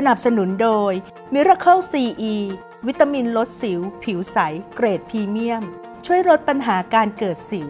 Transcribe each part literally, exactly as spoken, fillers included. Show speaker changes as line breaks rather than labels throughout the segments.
นับสนุนโดย Miracle ซี อี วิตามินลดสิวผิวใสเกรดพรีเมียมช่วยลดปัญหาการเกิดสิว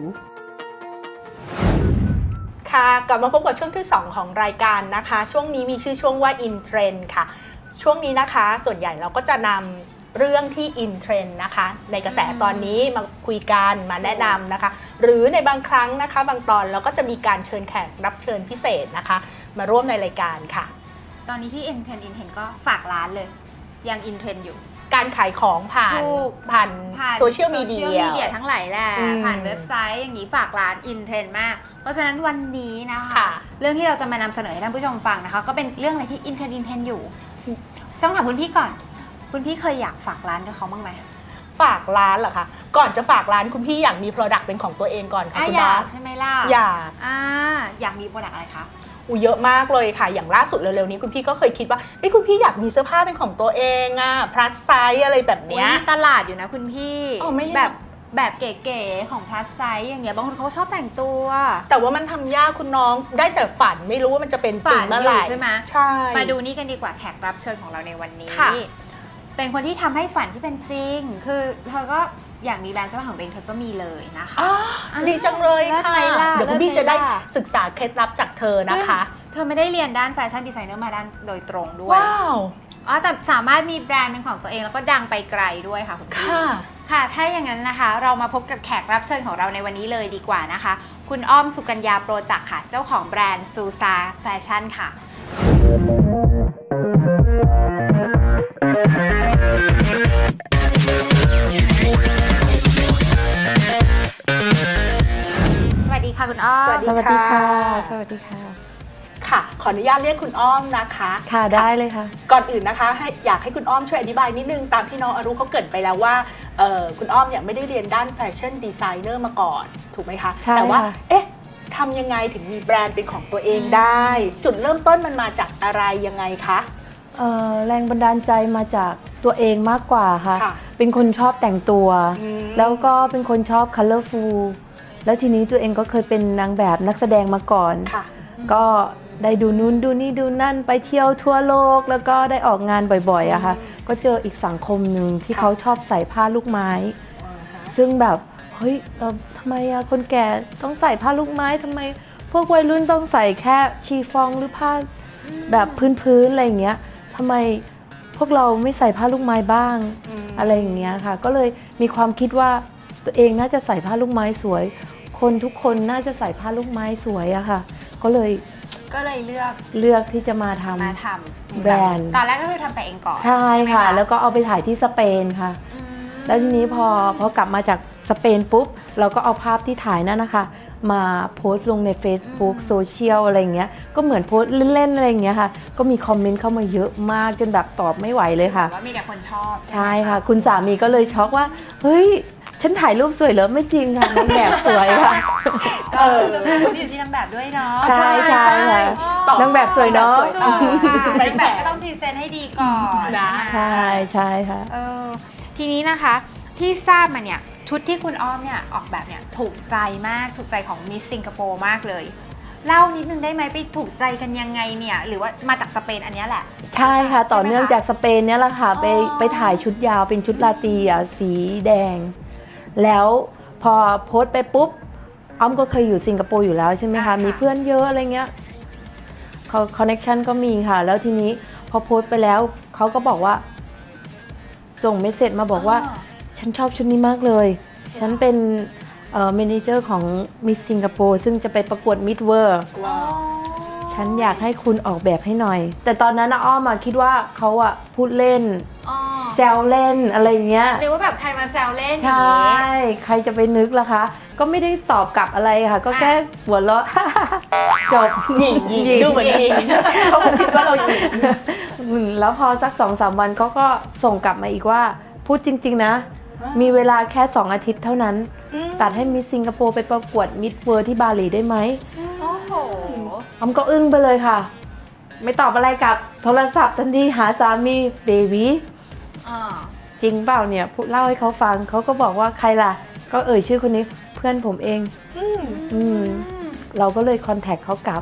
ค่ะกลับมาพบกับช่วงที่สองของรายการนะคะช่วงนี้มีชื่อช่วงว่า In Trend ค่ะช่วงนี้นะคะส่วนใหญ่เราก็จะนำเรื่องที่ In Trend นะคะในกระแสตอนนี้มาคุยกันมาแนะนำนะคะหรือในบางครั้งนะคะบางตอนเราก็จะมีการเชิญแขกรับเชิญพิเศษนะคะมาร่วมในรายการค่ะ
ตอนนี้ที่ In Trend In Trend ก็ฝากร้านเลยยัง In Trend อยู่
การขายของผ่านผ่านโซเชียลมีเดีย
โซเชียลมีเดียทั้งหลายแหละผ่านเว็บไซต์อย่างนี้ฝากร้าน In Trend มากเพราะฉะนั้นวันนี้นะคะเรื่องที่เราจะมานำเสนอให้ท่านผู้ชมฟังนะคะก็เป็นเรื่องอะไรที่ In Trend In Trend อยู่ต้องถามคุณพี่ก่อนคุณพี่เคยอยากฝากร้านกับเขาบ้างไหม
ฝากร้านเหรอคะก่อนจะฝากร้านคุณพี่อยากมี Product เป็นของตัวเองก่อนค่ะคุณ
อยากใช่ไหมล่ะ
อยาก
อ่าอยากมี Product อะไรคะ
อูเยอะมากเลยค่ะอย่างล่าสุดเร็วๆนี้คุณพี่ก็เคยคิดว่าเอ้ยคุณพี่อยากมีเสื้อผ้าเป็นของตัวเองอะ plus size อะไรแบบเนี้ย
มีตลาดอยู่นะคุณพี่แบบแบบเก๋ๆของ plus size อย่างเงี้ยบางคนเขาชอบแต่งตัว
แต่ว่ามันทำยากคุณน้องได้แต่ฝันไม่รู้ว่ามันจะเป็นจริงเมื่อไหร่
ใช่ไหม
ใช่
มาดูนี่กันดีกว่าแขกรับเชิญของเราในวันนี้เป็นคนที่ทำให้ฝันที่เป็นจริงคือเธอก็อยากมีแบรนด์เสื้อผ้าของตัวเองเธอก็มีเลยนะคะ
ดีจังเลยค่ะเดี๋ยวคุณพี่จะได้ศึกษาเคล็ดลับจากเธอนะคะ
เธอไม่ได้เรียนด้านแฟชั่นดีไซเนอร์มาด้านโดยตรงด้วย
ว้าว
อ๋อแต่สามารถมีแบรนด์เป็นของตัวเองแล้วก็ดังไปไกลด้วยค่ะคุณพี่ค่ะถ้าอย่างนั้นนะคะเรามาพบกับแขกรับเชิญของเราในวันนี้เลยดีกว่านะคะคุณอ้อมสุกัญญาโปรจักษ์ค่ะเจ้าของแบรนด์ซูซาแฟชั่นค่ะสวัสดีค่ะคุณอ้อม
สวัสดีค่ะ
สวัสดีค่ะ
ค่ะขออนุญาตเรียกคุณอ้อมนะคะ
ค่ะได้เลยค่ะ
ก่อนอื่นนะคะให้อยากให้คุณอ้อมช่วยอธิบายนิดนึงตามที่น้องอรุเขาเกริ่นไปแล้วว่าคุณอ้อมเนี่ยไม่ได้เรียนด้านแฟชั่นดีไซเนอร์มาก่อนถูกไหมคะแต่ว่าเอ๊ะทำยังไงถึงมีแบรนด์เป็นของตัวเองได้จุดเริ่มต้นมันมาจากอะไรยังไงคะ
แรงบันดาลใจมาจากตัวเองมากกว่าค่ะเป็นคนชอบแต่งตัวแล้วก็เป็นคนชอบ colorful แล้วทีนี้ตัวเองก็เคยเป็นนางแบบนักแสดงมาก่อนก็ได้ดูนู้นดูนี่ดูนั่นไปเที่ยวทั่วโลกแล้วก็ได้ออกงานบ่อยๆอะค่ะก็เจออีกสังคมหนึ่งที่เขาชอบใส่ผ้าลูกไม้ซึ่งแบบเฮ้ยทำไมอะคนแก่ต้องใส่ผ้าลูกไม้ทำไมพวกวัยรุ่นต้องใส่แค่ชีฟองหรือผ้าแบบพื้นๆอะไรอย่างเงี้ยทำไมพวกเราไม่ใส่ผ้าลูกไม้บ้างอะไรอย่างเงี้ยค่ะก็เลยมีความคิดว่าตัวเองน่าจะใส่ผ้าลูกไม้สวยคนทุกคนน่าจะใส่ผ้าลูกไม้สวยอะค่ะก็เลย
ก็เลยเลือก
เลือกที่จะมาทำ
มาทำ
แบรนด์
ตอนแรกก็คือทำแต่เองก่อน
ใช่ค่ะแล้วก็เอาไปถ่ายที่สเปนค่ะแล้วทีนี้พอพอกลับมาจากสเปนปุ๊บเราก็เอาภาพที่ถ่ายนั่นนะคะมาโพสต์ลงใน Facebook โซเชียลอะไรเงี้ยก็เหมือนโพสต์เล่นๆอะไรเงี้ยค่ะก็มีคอมเมนต์เข้ามาเยอะมากจนแบบตอบไม่ไหวเลยค่ะ
ว่ามีแต่คนชอบ
ใช่ค่ะคุณสามีก็เลยช็อกว่าเฮ้ยฉันถ่ายรูปสวยเหรอไม่จริงค่ะนางแบบสวยค่ะ
เอออยู่ที่นางแบบด้วยเนาะ
ใช่ใช่ค่ะนางแบบสวยเนาะ
นางแบบก็ต้องพรีเซนต์ให้ดีก่อน
นะใช่ใช่ค่ะ
เออทีนี้นะคะที่ทราบมาเนี่ยชุดที่คุณอ้อมเนี่ยออกแบบเนี่ยถูกใจมากถูกใจของมิสสิงคโปร์มากเลยเล่านิดนึงได้ไหมไปถูกใจกันยังไงเนี่ยหรือว่ามาจากสเปนอันนี้แหละ
ใช่ค่ะต่อเนื่องจากสเปนเนี่ยแหละค่ะไปไปถ่ายชุดยาวเป็นชุดลาตรีอ่ะสีแดงแล้วพอโพสต์ไปปุ๊บอ้อมก็เคยอยู่สิงคโปร์อยู่แล้วใช่ไหมคะมีเพื่อนเยอะอะไรเงี้ยเขาคอนเนคชั่นก็มีค่ะแล้วทีนี้พอโพสต์ไปแล้วเขาก็บอกว่าส่งเมสเสจมาบอกว่าฉันชอบชุดนี้มากเลยฉันเป็นเมเนเจอร์ของมิสสิงคโปร์ซึ่งจะไปประกวดมิสเวิร์ฉันอยากให้คุณออกแบบให้หน่อยแต่ตอนนั้นอ้อมมาคิดว่าเขาอะพูดเล่นแซวเล่นอะไรเงี้ย
หรือว่าแบบใครมาแซวเล่น
อย่างนี้ใช่ใครจะไปนึกล่ะคะก็ไม่ได้ตอบกลับอะไรค่ะก็แค่หัวเราะจบ
หยิงหยิงดูเหมือนหยิงเขาคิดว่าเราหยิง
แล้วพอสัก สองสาม วันเขาก็ส่งกลับมาอีกว่าพูดจริงๆนะมีเวลาแค่สองอาทิตย์เท่านั้นตัดให้มิสสิงคโปร์ไปประกวดมิสเวิร์ที่บาหลีได้ไหม
โอ้โห
อ้อมก็อึ้งไปเลยค่ะไม่ตอบอะไรกับโทรศัพท์ทันทีหาสามีเบบี้จริงเปล่าเนี่ยเล่าให้เขาฟังเขาก็บอกว่าใครล่ะก็เอ่ยชื่อคนนี้เพื่อนผมเองอืมเราก็เลยคอนแทคเขากลับ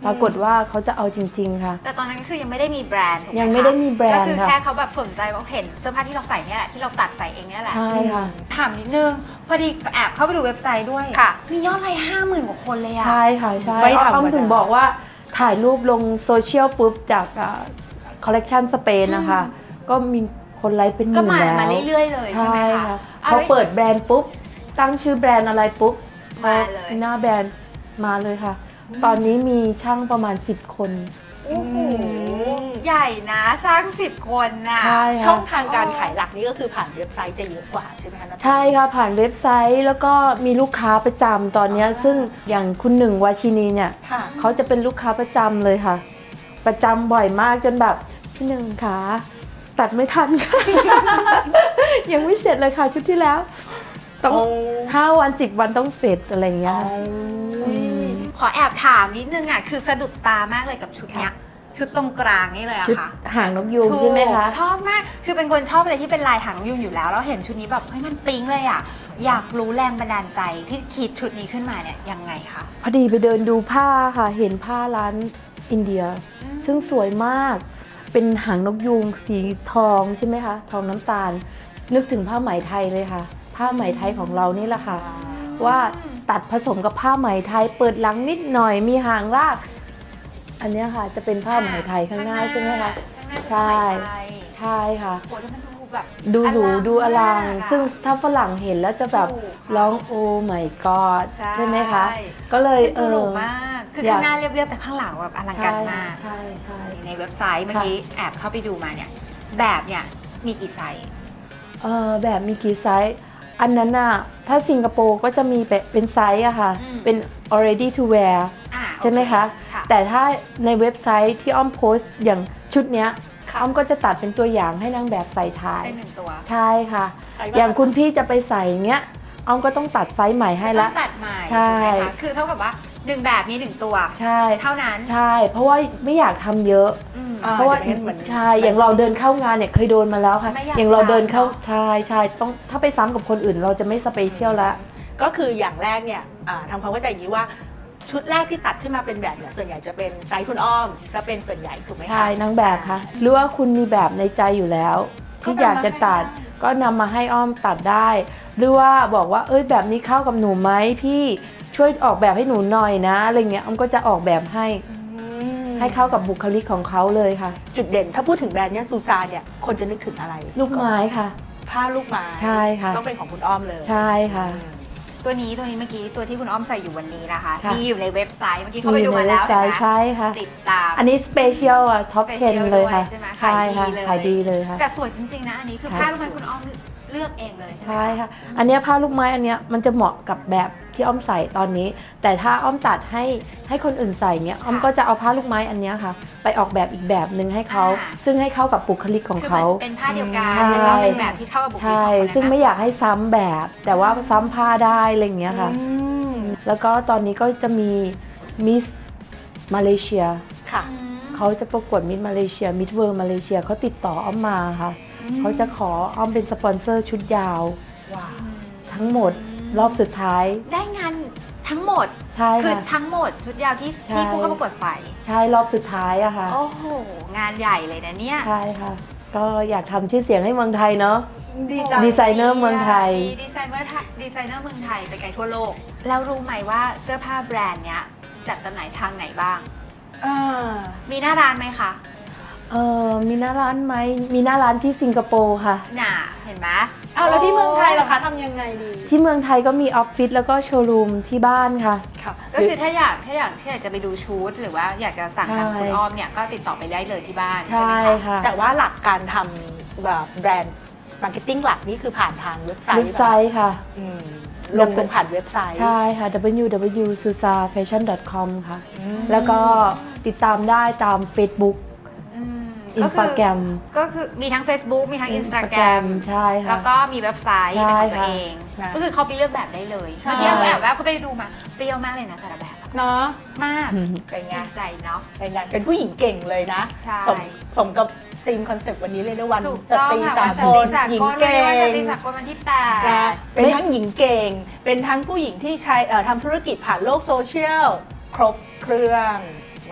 ปรากฏว่าเขาจะเอาจริงๆค่ะ
แต่ตอนนั้นก็คือยังไม่ได้มีแบรนด์ถูกไหมคะ
ยังไม่ได้มีแบรนด์
ก็คือ
ค่ะ
แค่เขาแบบสนใจว่าเห็นเสื้อผ้าที่เราใส่เนี่ยแหละที่เราตัดใส่เองเนี่ยแหละ
ใช่ค่ะ
ถามนิดนึงพอดีแอบเข้าไปดูเว็บไซต์ด้วย
ค่ะ
มียอดไลค์ห้าหมื่นกว่าคนเลยอะ
ใช่ค่ะใช่
ไม่ธรรมดา
อ้อมถึงบอกว่าถ่ายรูปลงโซเชียลปุ๊บจากคอลเลกชันสเปนนะคะก็มีคนไลค์เป็นห
ก็
มื่น
มา
แล้ว
มาเรื่อยๆเลยใช่ไหม
ใช่
คะ
ค่ะ
อา
พอ
แล้ว
เปิดแบรนด์ปุ๊บตั้งชื่อแบรนด์อะไรปุ๊บ
มาเลย
หน้าแบรนด์มาเลยค่ะ ตอนนี้มีช่างประมาณสิบคน
โอ้โหใหญ่นะช่างสิบคนน่ะ
ใช่
ช่อ
ค่ะ
งทางการขายหลักนี่ก็คือผ่านเว็บไซต์จะเยอะกว่าใช่ไหมคะนัท
ใช่ค่ะผ่านเว็บไซต์แล้วก็มีลูกค้าประจำตอนเนี้ยซึ่งอย่างคุณหนึ่งวาชินีเนี่ย
ค่ะ
เขาจะเป็นลูกค้าประจำเลยค่ะ ประจำบ่อยมากจนแบบพี่หนึ่งขาตัดไม่ทันค่ะ ยังไม่เสร็จเลยค่ะชุดที่แล้ว ต้องห้าวันสิบวันต้องเสร็จอะไรอย่างเงี้ยค่ะม
ขอแอบถามนิดนึงอ่ะคือสะดุดตามากเลยกับชุดเนี้ยชุดตรงกลางนี่เลยอะ
ชุด
ค่ะ
หางนกยูงใช่ไหมคะ
ถูกชอบมาก คือเป็นคนชอบอะไรที่เป็นลายหางนกยูงอยู่แล้ว แล้วเห็นชุดนี้แบบเฮ้ยมันปิ๊งเลยอ่ะ อยากรู้แรงบันดาลใจที่คิดชุดนี้ขึ้นมาเนี่ยยังไงคะ
พอดีไปเดินดูผ้าค่ะ เห็นผ้าร้านอินเดีย
อืม
ซึ่งสวยมาก เป็นหางนกยูงสีทองใช่ไหมคะ ทองน้ำตาล นึกถึงผ้าไหมไทยเลยค่ะ ผ้าไหมไทยของเรานี่แหละค่ะ ว่าตัดผสมกับผ้าไหมไทย เปิดหลังนิดหน่อย มีหางลาก อันเนี้ยค่ะจะเป็นผ้าไหมไทยข้างหน้าใช่ไหมคะ
ข้างหน้า
ใช่
เป็นไหมไทย
ใช่ค่ะ
โอ้แล้วมันดูแบบ
ดูหรูดูอลัง
มากอะ
ซึ่งถ้าฝรั่งเห็นแล้วจะแบบ
ถูกค่ะ
ร้องโอ้ my god
ใช่
ใช่ไหมคะ ก็เลยเอ
ดูหรู
อ
มาก คือ
อยาก
ข้างหน้าเรียบๆแต่ข้างหลังแบบอลังการมาก
ใช่ใช่
ในเว็บไซต์เมื่อกี้แอบเข้าไปดูมาเนี่ย แบบเนี่ยมีกี่ไซส์
เออแบบมีกี่ไซส์ อันนั้นน่ะ ถ้าสิงคโปร์ก็จะมีเป็นเป็นไซส์อะค่ะ เป็น already to wear
อ่า
ใช่ไหมคะ
โอเค่ะ
แต่ถ้าในเว็บไซต์ที่อ้อมโพสต์อย่างชุดเนี้ย
ค่ะ
อ้อมก็จะตัดเป็นตัวอย่างให้นางแบบใส่ถ่าย
เป็นหนึ่งตัว
ใช่ค่ะ
ไซส์
อย่างคุณพี่จะไปใส่เงี้ย อ้อมก็ต้องตัดไซส์ใหม่ให้ละ
ต้องตัดใหม่
ใช่
ถูกไหมคะคือเท่ากับว่าหนึ่งแบบมีหนึ่งตัว
ใช่
เท่านั้น
ใช่ เพราะว่าไม่อยากทำเยอะ
อืม
อ่า
เพราะว่า
ดี๋ยเหมือน
ใช่ อย่างเราเดินเข้างานเนี่ยเคยโดนมาแล้วค่ะ
ไม่อยาก
อย่างเราเดินเข้า
ซ้ำเนอะ
ใช่ใช่ต้องถ้าไปซ้ำกับคนอื่นเราจะไม่สเปเชียลละ
ก็คืออย่างแรกเนี่ยอ่าทำความเข้าใจอย่างนี้ว่าชุดแรกที่ตัดขึ้นมาเป็นแบบเนี่ยส่วนใหญ่จะเป็นไซส์คุณอ้อมจะเป็นส่วนใหญ่ถูกไหมคะ
ใช่นางแบบค่ะ หรือว่าคุณมีแบบในใจอยู่แล้ว ที่อยากจะตัดก็นำมาให้อ้อมตัดได้ หรือว่าบอกว่าเอ้ยแบบนี้เข้ากับหนูไหมพี่ช่วยออกแบบให้หนูหน่อยนะอะไรเงี้ยอ้อมก็จะออกแบบให้
อืม
ให้เข้ากับบุคลิกของเขาเลยค่ะ
จุดเด่นถ้าพูดถึงแบรนด์เนี่ยซูซานเนี่ยคนจะนึกถึงอะไร
ลูกไม้ค่ะ
ผ้าลูกไม้
ใช่ค่ะ
ต้องเป็นของคุณอ้อมเลย
ใช่ค่ะ
ตัวนี้ตัวนี้เมื่อกี้ตัวที่คุณอ้อมใส่อยู่วันนี้นะคะ
ค่ะ
มีอยู่ในเว็บไซต์เมื่อกี้เข้าไปดูมาแล้ว
ใช่
เห็นไหม
ใช่ค่ะ
ติดตาม
อันนี้สเปเชียลอ่ะท็อป
Special
10 เลยค่ะ
ด้วยใช่ไหม
ใช่ค่ะ
ขา
ขาย ย
ดี
ดี
เล
เลย ยค่ะ
แต่สวยจริงๆนะอันนี้คือ
ค่ะ
ผ้าลูกไม้คุณอ้อมเลือกเองเลยใช่ไหม
ใช่ค่ะ อันเนี้ยผ้าลูกไม้อันเนี้ยมันจะเหมาะกับแบบที่อ้อมใส่ตอนนี้ แต่ถ้าอ้อมตัดให้ให้คนอื่นใส่เนี้ยอ้อมก็จะเอาผ้าลูกไม้อันเนี้ยค่ะ ไปออกแบบอีกแบบหนึ่งให้เขา ซึ่งให้เข้ากับบุคลิกของ
คือ
เขา
เหมือนเป็นผ้าเดียวกัน
ใช่
แล้วก็เป็นแบบที่เข้ากับบุคลิกข
ใช่
องคนนั้น
ซึ่งไม่อยากให้ซ้ำแบบ แต่ว่าซ้ำผ้าได้อะไรอย่างเงี้ยค่ะ
อืม
แล้วก็ตอนนี้ก็จะมีมิสมาเลเซีย
ค่ะ
อืม
เขาจะประกวดมิสมาเลเซียมิสเวิร์มาเลเซียเขาติดต่ออ้อมมาค่ะ เขาจะขออ้อมเป็นสปอนเซอร์ชุดยาว
ว้าว
ทั้งหมดรอบสุดท้าย
ได้งานทั้งหมด
ใช่
คือ
ค่ะ
ทั้งหมดชุดยาวที่
ใช่
ที่ผู้เข้าประกวดใส่
ใช่รอบสุดท้ายอะค่ะ
โอ้โห งานใหญ่เลยนะเนี่ย
ใช่ค่ะ ก็อยากทำชื่อเสียงให้เมืองไทยเนาะ
ดีจัง
ดีไซเนอร์เมืองไทย
ดีดีไซเนอร์ไทยดีไซเนอร์เมืองไทยไปไกลทั่วโลก แล้วรู้ไหมว่าเสื้อผ้าแบรนด์เนี้ยจัดจำหน่ายทางไหนบ้าง
อ่า
มีหน้าร้านไหมคะ
เออมีหน้าร้านไหมมีหน้าร้านที่สิงคโปร์ค่ะ
น่ะ เห็นไหม
เอาแล้วที่เมืองไทยล่ะคะทำยังไงดี
ที่เมืองไทยก็มีออฟฟิศแล้วก็โชว์รูมที่บ้านค่ะ
ค่ะ
ก็คือถ้าอยากถ้าอยากถ้าอยากจะไปดูชุดหรือว่าอยากจะสั่งทาง
ใช่
คุณอ้อมเนี่ยก็ติดต่อไปได้เลยที่บ้านใช่
ใช่
ไหมคะ
ค่ะ
แต่ว่าหลักการทำแบบแบรนด์มาร์เก็ตติ้งหลักนี่คือผ่านทางเว็บไซต์
เว็บไซต์ค่ะ
อืมลงลงผ่านเว็บไซต์
ใช่ค่ะ ดับเบิลยู ดับเบิลยู ดอท ซูซาแฟชั่น ดอท คอม ค่ะ
อืม
แล้วก็ติดตามได้ตาม Facebook
อืม
อิน
ก็
ส
คื
ตาแกรม
ก็คือมีทั้ง Facebook มีทั้ง
Instagram
Instagram
ใช่ค่ะ
แล้วก็มีเว็บไซต์
ใช่
เป็นของตัว
ค่ะ
เอง
ค่ะ
ก็คือเขาไปเลือกแบบได้เลย
ใช่
เมื่อกี้เราแอบแวะเขาไปดูมาเปรี้ยวมากเลยนะแต่ละแบบอะ
เนาะ
มาก
เป็นไง
ภูมิใจเนาะ
เป็นไงเป็นผู้หญิงเก่งเลยนะ
ใช่
สมสมกับธีมคอนเซปต์วันนี้เลยนะวัน
ถูก
ส
ต้อง
ตรี
ค่ะ
สา
วันส
ก
ตรี
ล
สาก
หญิง
ลวัน
เก่
นี้วันสตรี
ง
สากลวันที่แป
นะ
ด
เป็นทั้งหญิงเก่ง เป็นทั้งผู้หญิงที่ใช้เอ่อทำธุรกิจผ่านโลกโซเชียลครบเครื่อง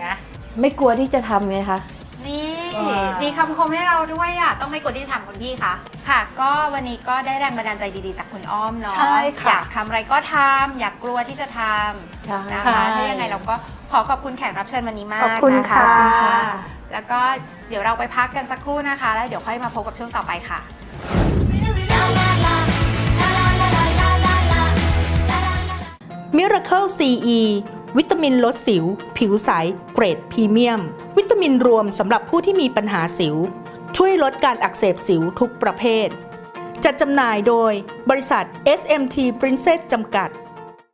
นะ
ไม่กลัวที่จะทำไงคะ
นี่
อ่ามี
มีคำคมให้เราด้วยอ่ะต้องไม่กดที่ทำคุณพี่คะค่ะ ก็วันนี้ก็ได้แรงบันดาลใจดีๆจากคุณอ้อมเนาะ
ใช่ค่ะ
อยากทำอะไรก็ทำอยากกลัวที่จะทำ
ใช่
นะ
ใช่
คะถ้ายังไงเราก็ขอขอบคุณแขกรับเชิญวันนี้มาก
ขอบคุณ
นะคะ
ค่ะ
ขอบคุณค่ะ
แล้วก็เดี๋ยวเราไปพักกันสักครู่นะคะ แล้วเดี๋ยวค่อยมาพบกับช่วงต่อไปค่ะ
Miracle ซี อี วิตามินลดสิว ผิวใส เกรดพรีเมียม วิตามินรวมสำหรับผู้ที่มีปัญหาสิว ช่วยลดการอักเสบสิวทุกประเภท จัดจำหน่ายโดยบริษัท เอส เอ็ม ที Princess จำกัด